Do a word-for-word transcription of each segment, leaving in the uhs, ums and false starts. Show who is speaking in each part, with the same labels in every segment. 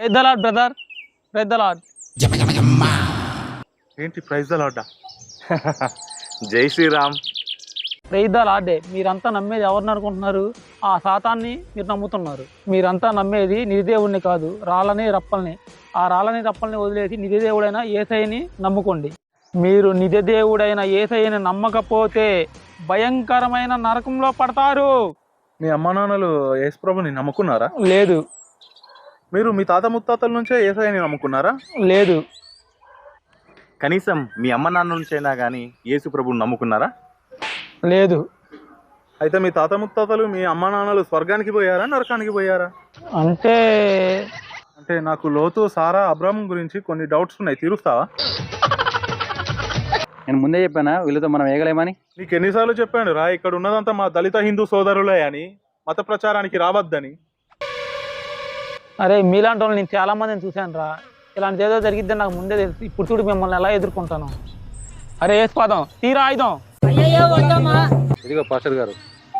Speaker 1: Praise the lord brother, praise the lord.
Speaker 2: ఏంటి praise the lord? జై Shriram.
Speaker 1: Praise the లార్డే. మీరంతా నమ్మేది ఎవరిని అనుకుంటున్నారు? ఆ సాతాన్ని మీరు నమ్ముతున్నారు. మీరంతా నమ్మేది నిధిదేవుడిని కాదు, రాళ్ళని రప్పల్ని. ఆ రాళ్ళని రప్పల్ని వదిలేసి నిధిదేవుడైన యేసయ్యని నమ్ముకోండి. మీరు నిధిదేవుడైన యేసయ్యని నమ్మకపోతే భయంకరమైన నరకంలో పడతారు.
Speaker 2: మీ అమ్మ నాన్నలు యేసుప్రభుని నమ్ముకున్నారా?
Speaker 1: లేదు.
Speaker 2: మీరు మీ తాత ముత్తాతల నుంచే యేసయ్యని నమ్ముకున్నారా?
Speaker 1: లేదు.
Speaker 2: కనీసం మీ అమ్మ నాన్న నుంచైనా కానీ యేసు ప్రభుని నమ్ముకున్నారా?
Speaker 1: లేదు.
Speaker 2: అయితే మీ తాత ముత్తాతలు మీ అమ్మ నాన్నలు స్వర్గానికి పోయారా, నరకానికి పోయారా?
Speaker 1: అంటే
Speaker 2: అంటే నాకు లోతు, సారా, అబ్రాహం గురించి కొన్ని డౌట్స్ ఉన్నాయి, తీరుస్తావా?
Speaker 3: నేను ముందే చెప్పానా వీళ్ళతో మనం వేయగలేమని?
Speaker 2: నీకు ఎన్నిసార్లు చెప్పాను రా, ఇక్కడ ఉన్నదంతా మా దళిత హిందూ సోదరులే అని, మత ప్రచారానికి రావద్దని.
Speaker 1: అరే మీలాంటి వాళ్ళు నేను చాలా మందిని చూశాను రా. ఇలాంటిది ఏదో జరిగిద్దని నాకు ముందే తెలుసు. ఇప్పుడు చూడు మిమ్మల్ని ఎలా ఎదుర్కొంటాను. అరే వేసుకోదాం, తీరా ఆయుధం.
Speaker 3: ఇదిగో పాస్టర్ గారు.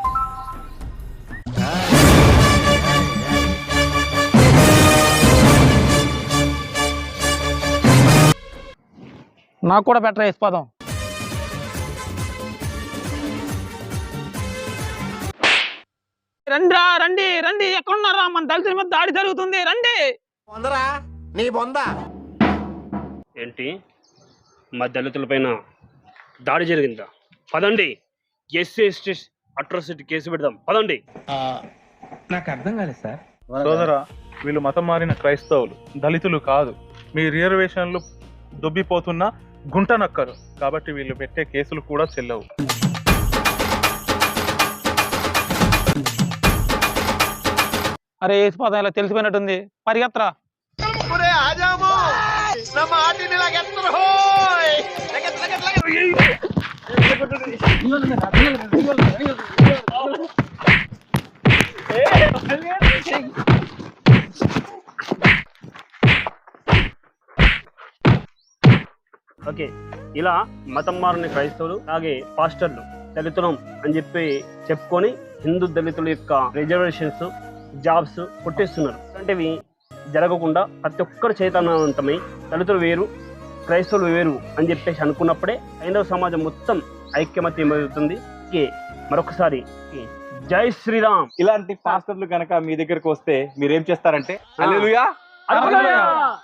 Speaker 1: నాకు కూడా బెటర్ వేసిపోదాం. రండిరా, రండి రండి, ఎక్కడున్నారా? మన దళితుల మీద దాడి జరుగుతుంది, రండి.
Speaker 4: ఏంటి మా దళితుల పైన దాడి జరిగిందా? పదండి, ఎస్సీ ఎస్టీ అట్రాసిటీ కేసు పెడదాం, పదండి.
Speaker 3: నాకు అర్థం కాలేదు సార్.
Speaker 2: సోదరా, వీళ్ళు మతం మారిన క్రైస్తవులు, దళితులు కాదు. మీ రిజర్వేషన్లు దొబ్బిపోతున్న గుంట నక్కరు కాబట్టి వీళ్ళు పెట్టే కేసులు కూడా చెల్లవు.
Speaker 1: అరే వేసిపోదాం, ఇలా తెలిసిపోయినట్టుంది, పరిగెత్తరా.
Speaker 4: ఓకే, ఇలా మతం మారిన క్రైస్తవులు అలాగే పాస్టర్లు దళితులం అని చెప్పి చెప్పుకొని హిందూ దళితుల యొక్క రిజర్వేషన్స్, జాబ్స్ కొట్టేస్తున్నారు. అలాంటివి జరగకుండా ప్రతి ఒక్కరు చైతన్యవంతమై దళితులు వేరు, క్రైస్తవులు వేరు అని చెప్పేసి అనుకున్నప్పుడే హైందవ సమాజం మొత్తం ఐక్యమత్యం అవుతుంది. మరొకసారి జై శ్రీరామ్.
Speaker 3: ఇలాంటి పాస్టర్లు కనుక మీ దగ్గరకు వస్తే మీరేం చేస్తారంటే
Speaker 4: హల్లెలూయా.